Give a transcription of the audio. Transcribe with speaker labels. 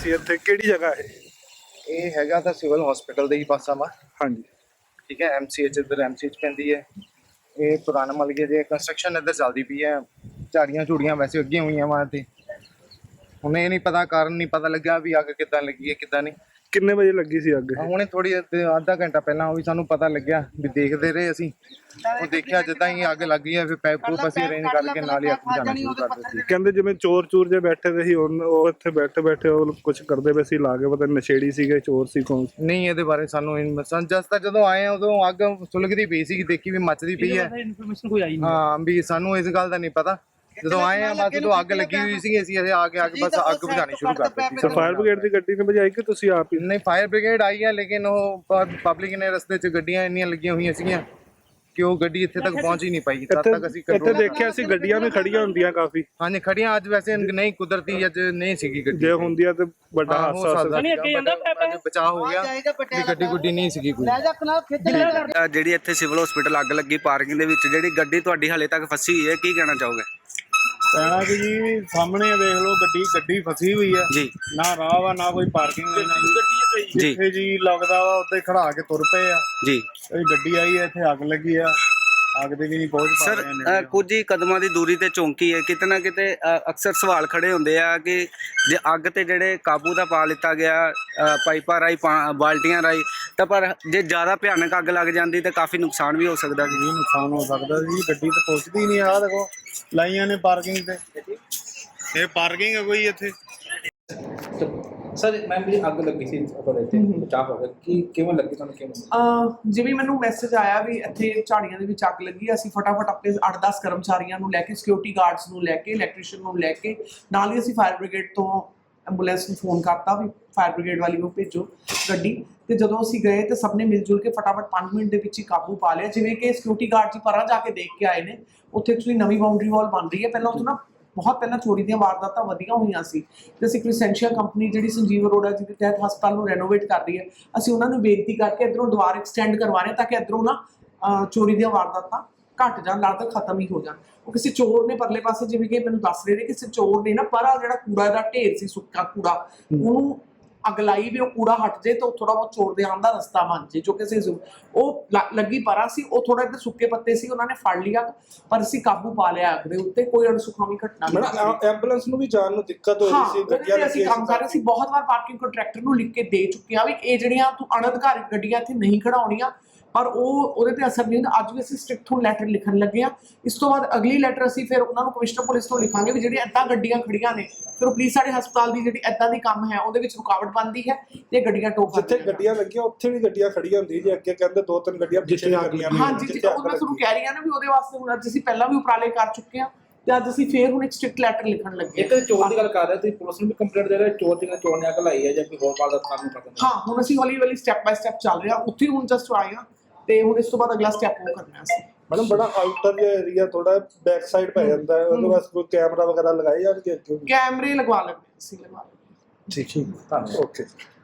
Speaker 1: ਸੀ ਇੱਥੇ, ਕਿਹੜੀ ਜਗ੍ਹਾ ਹੈ?
Speaker 2: ਇਹ ਹੈਗਾ ਤਾਂ ਸਿਵਲ ਹਸਪੀਟਲ ਦੇ ਹੀ ਪਾਸਾ ਵਾ।
Speaker 1: ਹਾਂਜੀ
Speaker 2: ਠੀਕ ਹੈ, MCH ਇੱਧਰ MCH ਪੈਂਦੀ ਹੈ। ਇਹ ਪੁਰਾਣਾ ਮਲਗੇ ਜੇ ਕੰਸਟਰਕਸ਼ਨ ਇੱਧਰ ਚੱਲਦੀ ਪਈ ਹੈ। ਝਾੜੀਆਂ ਝੂੜੀਆਂ ਵੈਸੇ ਅੱਗੇ ਹੋਈਆਂ ਵਾ ਤੇ ਹੁਣ ਇਹ ਨਹੀਂ ਪਤਾ, ਕਾਰਨ ਨਹੀਂ ਪਤਾ ਲੱਗਿਆ ਵੀ ਅੱਗ ਕਿੱਦਾਂ ਲੱਗੀ ਹੈ ਕਿੱਦਾਂ ਨਹੀਂ।
Speaker 1: ਕਿੰਨੇ ਵਜੇ ਲੱਗੀ ਸੀ ਅੱਗ?
Speaker 2: ਹੁਣੇ ਥੋੜੀ ਅੱਧਾ ਘੰਟਾ ਪਹਿਲਾਂ ਉਹ ਵੀ ਸਾਨੂੰ ਪਤਾ ਲੱਗਿਆ ਵੀ ਦੇਖਦੇ ਰਹੇ ਅਸੀਂ। ਉਹ ਦੇਖਿਆ ਜਿੱਦਾਂ ਹੀ ਅੱਗ ਲੱਗੀ ਹੈ ਫਿਰ ਪੈਪ ਪੂਪ ਅਸੀਂ ਅਰੇਂਜ ਕਰਕੇ ਨਾਲ ਹੀ ਅੱਗ ਬੁਝਾਉਣਾ ਸ਼ੁਰੂ ਕਰ ਦਿੱਤੀ।
Speaker 1: ਕਹਿੰਦੇ ਜਿਵੇਂ ਚੋਰ ਚੂਰ ਜੇ ਬੈਠੇ ਦੇ ਸੀ, ਉਹ ਇੱਥੇ ਬੈਠੇ ਉਹ ਕੁਝ ਕਰਦੇ ਪਏ ਸੀ, ਲਾ ਕੇ ਪਤਾ ਨਸ਼ੇੜੀ ਸੀਗੇ ਚੋਰ ਸੀ ਕੌਣ?
Speaker 2: ਨਹੀਂ, ਇਹਦੇ ਬਾਰੇ ਸਾਨੂੰ ਜਸ ਤਾਂ ਜਦੋਂ ਆਏ ਉਦੋਂ ਅੱਗ ਸੁਲਗਦੀ ਪਈ ਸੀ, ਦੇਖੀ ਵੀ ਮੱਚਦੀ ਪਈ ਹੈ। ਹਾਂ ਵੀ ਸਾਨੂੰ ਇਸ ਗੱਲ ਦਾ ਨਹੀਂ ਪਤਾ। ਜਦੋਂ ਆਏ ਆ ਬਸ ਉਦੋਂ ਅੱਗ ਲੱਗੀ ਹੋਈ ਸੀ, ਅਸੀਂ ਆ ਕੇ ਬਸ ਅੱਗ ਬੁਝਾਉਣੀ ਸ਼ੁਰੂ ਕਰ ਦਿੱਤੀ।
Speaker 1: ਫਾਇਰ ਬ੍ਰਿਗੇਡ ਦੀ ਗੱਡੀ ਨੇ ਬੁਝਾਈ ਕਿ ਤੁਸੀਂ ਆਪ ਹੀ?
Speaker 2: ਨਹੀਂ, ਫਾਇਰ ਬ੍ਰਿਗੇਡ ਆਈ ਹੈ ਲੇਕਿਨ ਉਹ ਪਬਲਿਕ ਨੇ ਰਸਤੇ 'ਚ ਗੱਡੀਆਂ ਇੰਨੀਆਂ ਲੱਗੀਆਂ ਹੋਈਆਂ ਸੀਗੀਆਂ ਕਿ ਉਹ ਗੱਡੀ ਇੱਥੇ ਤੱਕ ਪਹੁੰਚ ਹੀ ਨਹੀਂ ਪਾਈ। ਤਦ ਤੱਕ ਅਸੀਂ
Speaker 1: ਇੱਥੇ ਦੇਖਿਆ ਸੀ ਗੱਡੀਆਂ ਵੀ ਖੜੀਆਂ ਹੁੰਦੀਆਂ ਕਾਫੀ।
Speaker 2: ਹਾਂਜੀ, ਖੜੀਆਂ ਅੱਜ ਵੈਸੇ ਨਹੀਂ, ਕੁਦਰਤੀ ਅੱਜ ਨਹੀਂ ਸੀਗੀ ਗੱਡੀ।
Speaker 1: ਜੇ ਹੁੰਦੀਆਂ ਤੇ ਵੱਡਾ ਹਾਦਸਾ ਹੋ ਸਕਦਾ।
Speaker 2: ਬਚਾਅ ਹੋ ਗਿਆ ਵੀ ਗੱਡੀ ਗੁੱਡੀ ਨਹੀਂ ਸੀਗੀ ਕੋਈ।
Speaker 3: ਜਿਹੜੀ ਇੱਥੇ ਸਿਵਲ ਹਸਪੀਟਲ ਅੱਗ ਲੱਗੀ ਪਾਰਕਿੰਗ ਦੇ ਵਿੱਚ, ਜਿਹੜੀ ਗੱਡੀ ਤੁਹਾਡੀ ਹਾਲੇ ਤੱਕ ਫਸੀ ਹੋਈ ਹੈ, ਕੀ ਕਹਿਣਾ ਚਾਹੋਗੇ?
Speaker 4: ਕਹਿਣਾ ਕਿ ਜੀ ਸਾਹਮਣੇ ਦੇਖ ਲਓ, ਗੱਡੀ ਫਸੀ ਹੋਈ ਹੈ
Speaker 3: ਜੀ।
Speaker 4: ਨਾ ਰਾਹ ਵਾ ਨਾ ਕੋਈ ਪਾਰਕਿੰਗ ਨਾ
Speaker 3: ਜੀ
Speaker 4: ਜਿੱਥੇ ਜੀ ਲੱਗਦਾ ਵਾ ਉੱਥੇ ਖੜਾ ਕੇ ਤੁਰ ਪਏ ਆ
Speaker 3: ਜੀ।
Speaker 4: ਇਹ ਗੱਡੀ ਆਈ ਹੈ, ਇੱਥੇ ਅੱਗ ਲੱਗੀ ਆ, ਅੱਗ ਦੇ ਵੀ ਨਹੀਂ ਪਹੁੰਚ ਪਾ ਰਹੇ ਨੇ।
Speaker 3: ਸਰ ਕੁਝ ਹੀ ਕਦਮਾਂ ਦੀ ਦੂਰੀ ਤੇ ਚੌਂਕੀ ਹੈ, ਕਿਤੇ ਨਾ ਕਿਤੇ ਅਕਸਰ ਸਵਾਲ ਖੜੇ ਹੁੰਦੇ ਆ ਕਿ ਜੇ ਅੱਗ ਤੇ ਜਿਹੜੇ ਕਾਬੂ ਦਾ ਪਾ ਲਿੱਤਾ ਗਿਆ ਪਾਈਪਾਂ ਰਾਹੀਂ ਬਾਲਟੀਆਂ ਰਾਹੀਂ, ਤਾਂ ਪਰ ਜੇ ਜ਼ਿਆਦਾ ਭਿਆਨਕ ਅੱਗ ਲੱਗ ਜਾਂਦੀ ਤਾਂ ਕਾਫੀ ਨੁਕਸਾਨ ਵੀ ਹੋ ਸਕਦਾ ਸੀ।
Speaker 4: ਨੁਕਸਾਨ ਹੋ ਸਕਦਾ ਜੀ, ਗੱਡੀ ਤਾਂ ਪਹੁੰਚਦੀ ਹੀ ਨਹੀਂ। ਆਹ ਦੇਖੋ ਲਾਈਆਂ ਨੇ ਪਾਰਕਿੰਗ ਤੇ, ਇਹ ਪਾਰਕਿੰਗ ਹੈ ਕੋਈ ਇੱਥੇ।
Speaker 5: ਸਰ ਮੈਮ ਜੀ ਅੱਗ ਲੱਗੀ ਸੀ ਤੁਹਾਡੇ ਇੱਥੇ, ਬਚਾਅ ਹੋ ਗਿਆ ਕਿ ਕਿਵੇਂ ਲੱਗੀ ਤੁਹਾਨੂੰ? ਕਿਵੇਂ
Speaker 6: ਜਿਵੇਂ ਮੈਨੂੰ ਮੈਸੇਜ ਆਇਆ ਵੀ ਇੱਥੇ ਝਾੜੀਆਂ ਦੇ ਵਿੱਚ ਅੱਗ ਲੱਗੀ, ਅਸੀਂ ਫਟਾਫਟ ਆਪਣੇ 8-10 ਕਰਮਚਾਰੀਆਂ ਨੂੰ ਲੈ ਕੇ, ਸਿਕਿਉਰਿਟੀ ਗਾਰਡਸ ਨੂੰ ਲੈ ਕੇ, ਇਲੈਕਟ੍ਰੀਸ਼ੀਅਨ ਨੂੰ ਲੈ ਕੇ, ਨਾਲ ਹੀ ਅਸੀਂ ਫਾਇਰ ਬ੍ਰਿਗੇਡ ਤੋਂ ਐਂਬੂਲੈਂਸ ਨੂੰ ਫੋਨ ਕਰਤਾ ਵੀ ਫਾਇਰ ਬ੍ਰਿਗੇਡ ਵਾਲੀ ਨੂੰ ਭੇਜੋ ਗੱਡੀ। ਤੇ ਜਦੋਂ ਅਸੀਂ ਗਏ ਤੇ ਸਭ ਨੇ ਮਿਲ ਜੁਲ ਕੇ ਫਟਾਫਟ 5 ਮਿੰਟ ਦੇ ਵਿੱਚ ਹੀ ਕਾਬੂ ਪਾ ਲਿਆ। ਜਿਵੇਂ ਕਿ ਸਿਕਿਉਰਿਟੀ ਗਾਰਡ ਜੀ ਪਰਾਂ ਜਾ ਕੇ ਦੇਖ ਕੇ ਆਏ ਨੇ, ਉੱਥੇ ਐਕਚੁਅਲੀ ਨਵੀਂ ਬਾਉਂਡਰੀ ਵਾਲ ਬਣ ਰਹੀ ਹੈ। ਪਹਿਲਾਂ ਉੱਥੇ ਨਾ ਬਹੁਤ ਪਹਿਲਾਂ ਚੋਰੀ ਦੀਆਂ ਵਾਰਦਾਤਾਂ ਵਧੀਆਂ ਹੋਈਆਂ ਸੀ ਤੇ ਅਸੀਂ ਕ੍ਰਿਸੈਂਸ਼ੀਆ ਕੰਪਨੀ ਜਿਹੜੀ ਸੰਜੀਵ ਅਰੋੜਾ ਜੀ ਦੇ ਤਹਿਤ ਹਸਪਤਾਲ ਨੂੰ ਰੈਨੋਵੇਟ ਕਰ ਰਹੀ ਹੈ, ਅਸੀਂ ਉਹਨਾਂ ਨੂੰ ਬੇਨਤੀ ਕਰਕੇ ਇੱਧਰੋਂ ਦੁਆਰ ਐਕਸਟੈਂਡ ਕਰਵਾ ਰਹੇ ਤਾਂ ਕਿ ਇੱਧਰੋਂ ਨਾ ਚੋਰੀ ਦੀਆਂ ਵਾਰਦਾਤਾਂ ਘੱਟ ਜਾਣ, ਲੱਗਦਾ ਖਤਮ ਹੀ ਹੋ ਜਾਣ। ਉਹ ਕਿਸੇ ਚੋਰ ਨੇ ਪਰਲੇ ਪਾਸੇ, ਜਿਵੇਂ ਕਿ ਮੈਨੂੰ ਦੱਸ ਰਹੇ ਨੇ, ਕਿਸੇ ਚੋਰ ਨੇ ਨਾ ਪਰਾ ਜਿਹੜਾ ਕੂੜਾ ਦਾ ਢੇਰ ਸੀ, ਸੁੱਕਾ ਕੂੜਾ, ਉਹਨੂੰ ਅੱਗ ਲਾਈ ਵੀ ਉਹ ਕੂੜਾ ਹਟ ਜੇ ਤਾਂ ਥੋੜਾ ਬਹੁਤ ਚੋਰ ਦੇ ਆਉਣ ਦਾ ਰਸਤਾ ਬਣ ਜੇ। ਜੋ ਕਿਸੇ ਉਹ ਲੱਗੀ ਪਰਾਂ ਸੀ, ਉਹ ਥੋੜਾ ਇੱਧਰ ਸੁੱਕੇ ਪੱਤੇ ਸੀ, ਉਹਨਾਂ ਨੇ ਫੜ ਲਿਆ ਪਰ ਅਸੀਂ ਕਾਬੂ ਪਾ ਲਿਆ ਅੱਗ ਦੇ ਉੱਤੇ। ਕੋਈ ਅਣਸੁਖਾਵੀ ਘਟਨਾ ਨਹੀਂ।
Speaker 1: ਐਂਬੂਲੈਂਸ ਨੂੰ ਵੀ ਜਾਣ ਨੂੰ ਦਿੱਕਤ ਹੋ ਰਹੀ ਸੀ, ਗੱਡੀਆਂ
Speaker 6: ਅਸੀਂ ਕੰਮ ਕਰ ਰਹੇ ਸੀ। ਬਹੁਤ ਵਾਰ ਪਾਰਕਿੰਗ ਕੰਟਰੈਕਟਰ ਨੂੰ ਲਿਖ ਕੇ ਦੇ ਚੁੱਕੇ ਆ ਵੀ ਇਹ ਜਿਹੜੀਆਂ ਤੂੰ ਅਣਅਧਿਕਾਰਿਤ ਗੱਡੀਆਂ ਇੱਥੇ ਨਹੀਂ ਖੜਾਉਣੀਆਂ, ਪਰ ਉਹਦੇ ਤੇ ਅਸਰ ਨਹੀਂ ਹੁੰਦਾ। ਅੱਜ ਵੀ ਅਸੀਂ ਸਟ੍ਰਿਕਟ ਤੋਂ ਲੈਟਰ ਲਿਖਣ ਲੱਗੇ ਆ। ਇਸ ਤੋਂ ਬਾਅਦ ਅਗਲੀ ਲੈਟਰ ਅਸੀਂ ਫਿਰ ਉਹਨਾਂ ਨੂੰ ਕਮਿਸ਼ਨਰ ਪੁਲਿਸ ਤੋਂ ਲਿਖਾਂਗੇ ਵੀ ਜਿਹੜੀਆਂ ਇੱਦਾਂ ਗੱਡੀਆਂ ਖੜੀਆਂ ਨੇ, ਫਿਰ ਉਹ ਪਲੀਜ਼ ਸਾਡੇ ਹਸਪਤਾਲ ਦੀ ਜਿਹੜੀ ਇੱਦਾਂ ਦੀ ਕੰਮ ਹੈ ਉਹਦੇ ਵਿੱਚ ਰੁਕਾਵਟ ਬਣਦੀ ਹੈ ਤੇ ਗੱਡੀਆਂ ਟੋਕ
Speaker 1: ਜਿੱਥੇ ਗੱਡੀਆਂ ਲੱਗੀਆਂ ਉੱਥੇ ਵੀ ਗੱਡੀਆਂ ਖੜੀਆਂ ਹੁੰਦੀਆਂ ਜੀ। ਅੱਗੇ ਕਹਿੰਦੇ 2-3 ਗੱਡੀਆਂ ਪਿੱਛੇ ਲੱਗੀਆਂ ਨੇ।
Speaker 6: ਹਾਂਜੀ, ਉਹ ਮੈਂ ਤੁਹਾਨੂੰ ਕਹਿ ਰਹੀ ਹਾਂ ਨਾ ਵੀ ਉਹਦੇ ਵਾਸਤੇ ਹੁਣ ਅੱਜ ਅਸੀਂ ਪਹਿਲਾਂ ਵੀ ਉਪਰਾਲੇ ਕਰ ਚੁੱਕੇ ਹਾਂ ਤੇ ਅੱਜ ਅਸੀਂ ਫੇਰ ਹੁਣ ਇੱਕ ਸਟ੍ਰਿਕਟ ਲੈਟਰ ਲਿਖਣ ਲੱਗੇ।
Speaker 5: ਇੱਕ ਚੋਰ ਦੀ ਗੱਲ ਕਰ ਰਹੇ ਤੁਸੀਂ, ਪੁਲਿਸ ਨੂੰ ਵੀ ਕੰਪਲੇਂਟ ਦੇ ਰਹੇ ਚੋਰ ਨੇ ਅੱਗ ਲਾਈ ਹੈ ਜਾਂ ਕੋਈ ਹੋਰ ਵਾਰਦਾਤ ਸਾਨੂੰ ਪਤਾ ਨਹੀਂ?
Speaker 6: ਹਾਂ, ਹੁਣ ਅਸੀਂ ਹੌਲੀ ਸਟੈਪ ਬਾਈ ਸਟੈਪ ਚੱਲ ਰਹੇ ਹਾਂ, ਉੱਥੇ ਹੁਣ ਜਸਟ ਆਏ ਹਾਂ ਤੇ ਹੁਣ ਇਸ ਤੋਂ ਬਾਅਦ ਅਗਲਾ ਸਟੈਪ ਉਹ ਕਰਨਾ ਸੀ।
Speaker 1: ਮੈਡਮ ਬੜਾ ਆਊਟਰ ਜਿਹਾ ਏਰੀਆ, ਥੋੜਾ ਬੈਕ ਸਾਈਡ ਪੈ ਜਾਂਦਾ ਹੈ, ਉਹਦੇ ਵਾਸਤੇ ਕੋਈ ਕੈਮਰਾ ਵਗੈਰਾ ਲਗਾਏ ਜਾਣਗੇ?
Speaker 6: ਕੈਮਰੇ ਲਗਵਾ ਲੈਂਦੇ ਅਸੀਂ, ਲਗਵਾ ਲੈਂਦੇ।
Speaker 1: ਠੀਕ, ਧੰਨਵਾਦ। ਓਕੇ।